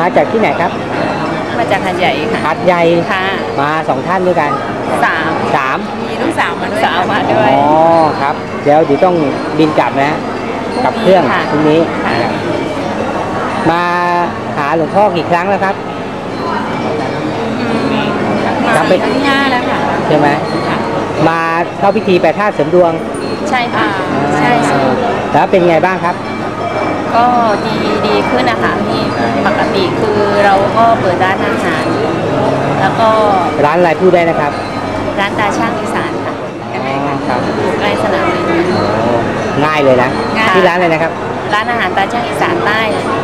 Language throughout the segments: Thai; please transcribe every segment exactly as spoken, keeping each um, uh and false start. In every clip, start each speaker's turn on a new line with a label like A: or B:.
A: มาจากที่ไหนครับ
B: มาจากหาดใหญ่ค่ะ
A: หาดใหญ่
B: ค่ะ
A: มาสองท่านด้วยกัน
B: สาม
A: สาม
B: มีลูกสาวมาด้วยสาวมาด้วย
A: อ๋อครับเดี๋ยวเดี๋ยวต้องบินกลับนะกับเครื่องพรุ่งนี้มาหาหลวงพ่อกี่ครั้งแล้วครับ
B: มาสี่ครั้งที่ห้าแล้วค่ะ
A: ใช่ไหมมาเข้าพิธีแปดธาตุเสริมดวง
B: ใช่ค่ะใช่
A: แล้วเป็นไงบ้างครับ
B: ก็ดีดีขึ้นนะคะพี่ปกติคือเราก็เปิดร้านอาหารแล้วก็
A: ร้านอะไรพูดได้นะครับ
B: ร้านตาช่างอีสานค่ะ
A: ครับ
B: อยู่ใกล้สนามบิน
A: ง่ายเลยนะที่ร้านเลยนะครับ
B: ร้านอาหารตาช่างอีสานใต้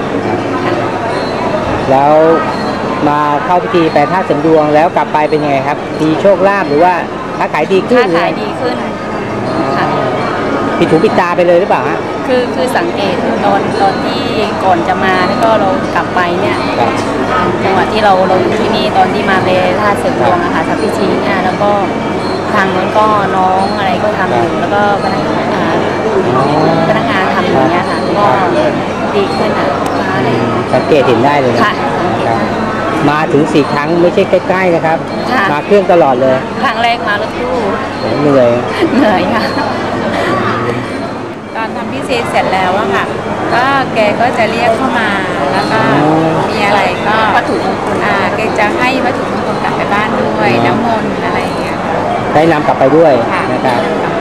A: แล้วมาเข้าพิธีแปดธาตุเสริมดวงแล้วกลับไปเป็นยังไงครับมีโชคลาภหรือว่าค้าขายดีขึ้น
B: ค้าขายดีขึ้นค่ะ
A: ปิดหูปิดตาไปเลยหรือเปล่าฮะ
B: คือคือสังเกตตอนตอนที่ก่อนจะมาแล้วก็เรากลับไปเนี่ยจังหวะที่เราเราอยู่ที่นี่ตอนที่มาเลยธาตุเสริมดวงอะค่ะสัพพิชีเนี่ยแล้วก็ทางนั้นก็น้องอะไรก็ทำอยู่แล้วก็พนักงานพนักงานทำอย่างเงี้ยค่ะก็ดีขึ้นอ่ะอะไร
A: สังเกตเห็นได้เลย
B: ค่ะ
A: มาถึงสี่ครั้งไม่ใช่ใกล้ๆนะครับมาเครื่องตลอดเลย
B: ครั้งแรกมารถตู้
A: เหนื่อย
B: เหนื่อยค่ะตอนทำพิเศษเสร็จแล้วอะค่ะก็แกก็จะเรียกเข้ามาแล้วก็มีอะไรก็วัตถุมงคลอ่าแกจะให้วัตถุมงคลกลับไปบ้านด้วยน้ำมนต์อะไรอย่างเงี้ย
A: ได้นำกลับไปด้วยนะครับ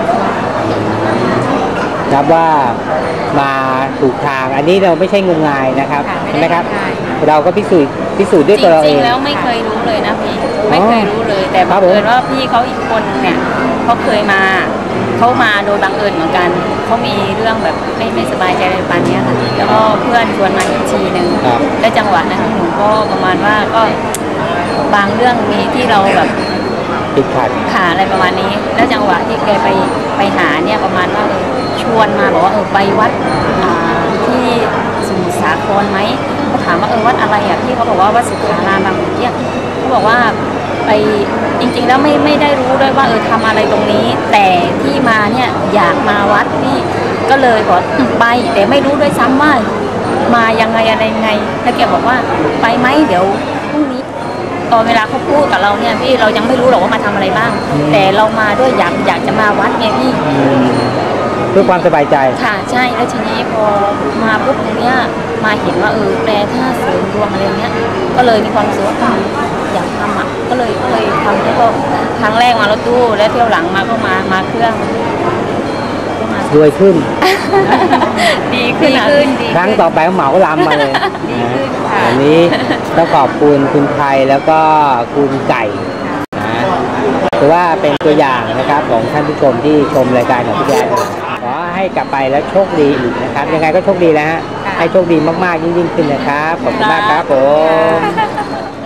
A: นับว่ามาถูกทางอันนี้เราไม่ใช่งมงายนะครับใช่ไหมครับเราก็พิสูจน์พิสูจน์ด้วยตัวเราเอง
B: จริงๆแล้วไม่เคยรู้เลยนะพี่ไม่เคยรู้เลยแต่บังเอิญว่าพี่เขาอีกคนเนี่ยเขาเคยมาเขามาโดยบังเอิญเหมือนกันเขามีเรื่องแบบไม่ไม่สบายใจอะไรประมาณนี้ค่ะแล้วก็เพื่อนชวนมาอีกทีหนึ่งและจังหวะนั้นหนูก็ประมาณว่าก็บางเรื่องมีที่เราแบบ
A: ติดขัด
B: ขาอะไรประมาณนี้แล้วจังหวะที่แกไปไปหาเนี่ยประมาณว่าชวนมาบอกว่าเออไปวัดที่สมุทรสาครไหมเขาถามว่าเออวัดอะไรอ่ะพี่เขาบอกว่าวัดสุขารามบางขุนเทียนเขาบอกว่าไปจริงๆแล้วไม่ไม่ได้รู้ด้วยว่าเออทำอะไรตรงนี้แต่ที่มาเนี่ยอยากมาวัดนี่ก็เลยบอกไปแต่ไม่รู้ด้วยซ้ำว่ามายังไงอะไรยังไงแล้วแกบอกว่าไปไหมเดี๋ยวพรุ่งนี้ตอนเวลาเขาพูดกับเราเนี่ยพี่เรายังไม่รู้หรอกว่ามาทำอะไรบ้างแต่เรามาด้วยอยากอยากจะมาวัดไงพี่
A: เพื่อความสบายใจ
B: ค่ะใช่แล้วทีนี้พอมาปุ๊บตรงเนี้ยมาเห็นว่าเออแปลท่าเสริมดวงอะไรเงี้ยก็เลยมีความรู้สึกว่าอยากทำอ่ะก็เลยก็เลยทำแล้วก็ครั้งแรกมารถตู้แล้วเที่ยวหลังมาก็มามาเครื่อง
A: รวยขึ้น
B: ดีขึ้น
A: ครั้งต่อไปเหมาลำมาเลยวันนี้ต้องขอบคุณคุณไทยแล้วก็คุณไก่นะถือว่าเป็นตัวอย่างนะครับของท่านผู้ชมที่ชมรายการของพี่แจ๊คขอให้กลับไปแล้วโชคดีอีกนะครับยังไงก็โชคดีแล้วฮะให้โชคดีมากๆยิ่งๆขึ้นนะครับขอบคุณมากครับผม